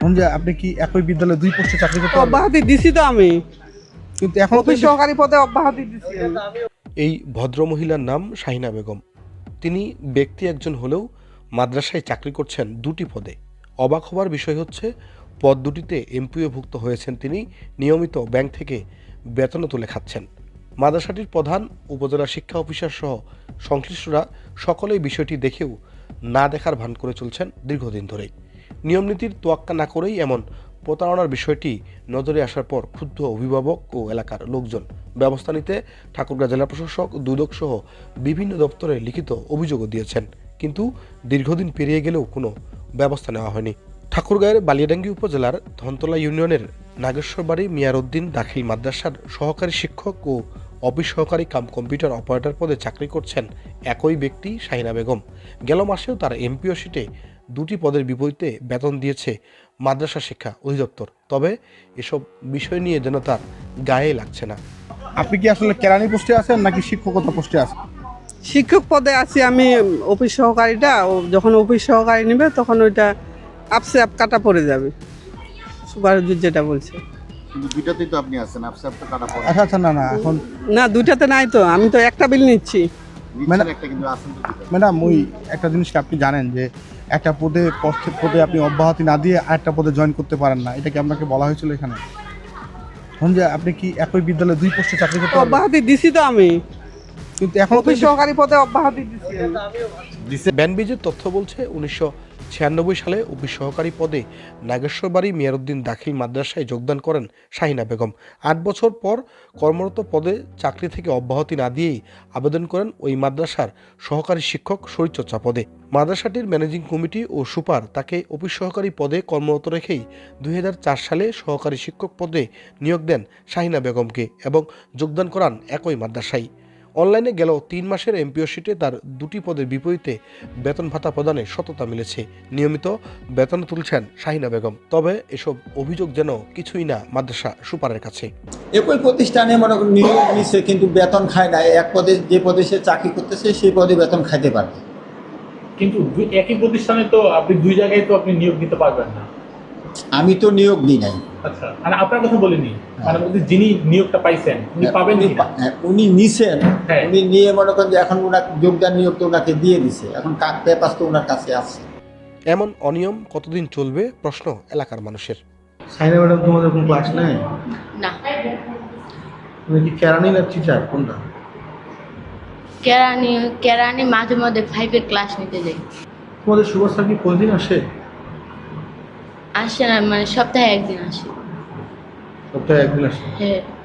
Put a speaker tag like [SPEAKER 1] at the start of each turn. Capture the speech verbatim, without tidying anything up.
[SPEAKER 1] যে আপনি কি একই বিদ্যালয়ে দুই পোস্টে চাকরি করতে পারবেন?
[SPEAKER 2] অব্যাহতি দিছি তো আমি,
[SPEAKER 1] কিন্তু এখন তো
[SPEAKER 2] অফিস সহকারী পদে অব্যাহতি দিছি আমি।
[SPEAKER 3] এই ভদ্রমহিলার নাম শাহিনা বেগম। তিনি ব্যক্তি একজন হলেও মাদ্রাসায় চাকরি করছেন দুটি পদে। অবাক হবার বিষয় হচ্ছে, পদ দুটিতে এমপিওভুক্ত হয়েছেন তিনি, নিয়মিত ব্যাংক থেকে বেতনও তুলে খাচ্ছেন। মাদ্রাসাটির প্রধান, উপজেলা শিক্ষা অফিসার সহ সংশ্লিষ্টরা সকলেই বিষয়টি দেখেও না দেখার ভান করে চলছেন দীর্ঘদিন ধরেই। নিয়মনীতির তোয়াক্কা না করেই এমন প্রতারণার বিষয়টি নজরে আসার পর ক্ষুব্ধ অভিভাবক ও এলাকার লোকজন ব্যবস্থা নিতে ঠাকুরগাঁ জেলা প্রশাসক, দুদক সহ বিভিন্ন দপ্তরে লিখিত অভিযোগও দিয়েছেন, কিন্তু দীর্ঘদিন পেরিয়ে গেলেও কোনো ব্যবস্থা নেওয়া হয়নি। ঠাকুরগাঁয়ের বালিয়াডাঙ্গি উপজেলার ধনতলা ইউনিয়নের নাগেশ্বরবাড়ি মিয়ারউদ্দিন দাখিল মাদ্রাসার সহকারী শিক্ষক ও অফিস সহকারী কাম কম্পিউটার অপারেটর পদে চাকরি করছেন একই ব্যক্তি শাহিনা বেগম। গেল মাসেও তার এমপিও শিটে দুটি পদের বিপরীতে বেতন দিয়েছে মাদ্রাসা শিক্ষা অধিদপ্তর। তবে এসব বিষয় নিয়ে যেন তার গায়ে লাগছে না।
[SPEAKER 1] আপনি কি আসলে কেরানি পোস্টে আছেন নাকি শিক্ষকতা পোস্টে আছেন?
[SPEAKER 2] শিক্ষক পদে আছি আমি, অফিস সহকারীটা ও যখন অফিস সহকারী নেবে তখন ওইটা আপসে আপ কাটা পড়ে যাবে, সুপারভাইজার যেটা বলছে।
[SPEAKER 4] কিন্তু দুইটাতেই তো আপনি আছেন, আপসে আপটা কাটা পড়ে
[SPEAKER 1] আচ্ছা আচ্ছা, না না, এখন
[SPEAKER 2] না দুইটাতে নাই তো, আমি তো একটা বিল নিচ্ছি।
[SPEAKER 4] নিচ্ছেন একটা, কিন্তু আছেন তো দুইটা।
[SPEAKER 1] ম্যাডাম, ওই একটা জিনিস কি আপনি জানেন যে একটা পদে পদে পদে আপনি অব্যাহতি না দিয়ে আরেকটা পদে জয়েন করতে পারেন না? এটা কি আপনাকে বলা হয়েছিল এখানে? এখন যে আপনি কি একই বিদ্যালয়ে দুই পোস্টে চাকরি করতে পারবেন?
[SPEAKER 2] অব্যাহতি দিছি তো আমি,
[SPEAKER 1] কিন্তু এখন তো
[SPEAKER 2] অফিস সহকারী পদে অব্যাহতি দিছি আমি।
[SPEAKER 3] ব্যানবিজের তথ্য বলছে, উনিশশো ছিয়ানব্বই সালে অফিস সহকারী পদে নাগেশ্বরবাড়ি মিয়ারউদ্দিন দাখিল মাদ্রাসায় যোগদান করেন শাহিনা বেগম। আট বছর পর কর্মরত পদে চাকরি থেকে অব্যাহতি না দিয়েই আবেদন করেন ওই মাদ্রাসার সহকারী শিক্ষক শরীরচর্চা পদে। মাদ্রাসাটির ম্যানেজিং কমিটি ও সুপার তাকে অফিস সহকারী পদে কর্মরত রেখেই দুই হাজার চার সালে সহকারী শিক্ষক পদে নিয়োগ দেন শাহিনা বেগমকে এবং যোগদান করান একই মাদ্রাসায়। অনলাইনে গেল তিন মাসের এমপিও শিটে তার দুটি পদের বিপরীতে বেতন ভাতা প্রদানে সততা মিলেছে। নিয়মিত বেতন তুলছেন শাহিনা বেগম। তবে এসব অভিযোগ যেন কিছুই না মাদ্রাসা সুপারের কাছে।
[SPEAKER 5] একই প্রতিষ্ঠানে মনে করেন নিয়োগ নিচ্ছে, কিন্তু বেতন খায় না। এক পদে যে পদে সে চাকরি করতেছে সেই পদে বেতন খাইতে পারবে,
[SPEAKER 6] কিন্তু দুই- একই প্রতিষ্ঠানে তো আপনি দুই জায়গায় তো আপনি নিয়োগ দিতে পারবেন না।
[SPEAKER 5] আমি তো নিয়োগ দিই নাই।
[SPEAKER 6] আচ্ছা, মানে আপনার কথা বলিনি, মানে বলতে যিনি নিয়োগটা পাইছেন উনি পাবেন
[SPEAKER 5] উনি
[SPEAKER 6] কিনা?
[SPEAKER 5] পা- হ্যাঁ, উনি নিছেন,
[SPEAKER 6] হ্যাঁ।
[SPEAKER 5] উনি নিয়ে মনে করেন যে এখন ওনার যোগদান নিয়োগ তো ওনাকে দিয়ে দিছে, এখন কাক পেপার তো ওনার কাছে আছে।
[SPEAKER 3] এমন অনিয়ম কতদিন চলবে প্রশ্ন এলাকার মানুষের।
[SPEAKER 7] সাইনা ম্যাডাম তোমাদের কোন ক্লাস নেয়?
[SPEAKER 8] না,
[SPEAKER 7] তুমি কি কেরানি না টিচার, কোনটা?
[SPEAKER 8] কেরানি কেরানি মাঝে মধ্যে ফাইভের ক্লাস নিতে যাই।
[SPEAKER 7] তোমাদের সুভাষ কি প্রতিদিন আসে?
[SPEAKER 8] আসে না, মানে সপ্তাহে একদিন আসে।
[SPEAKER 7] সপ্তাহে একদিন আসে।
[SPEAKER 8] হ্যাঁ।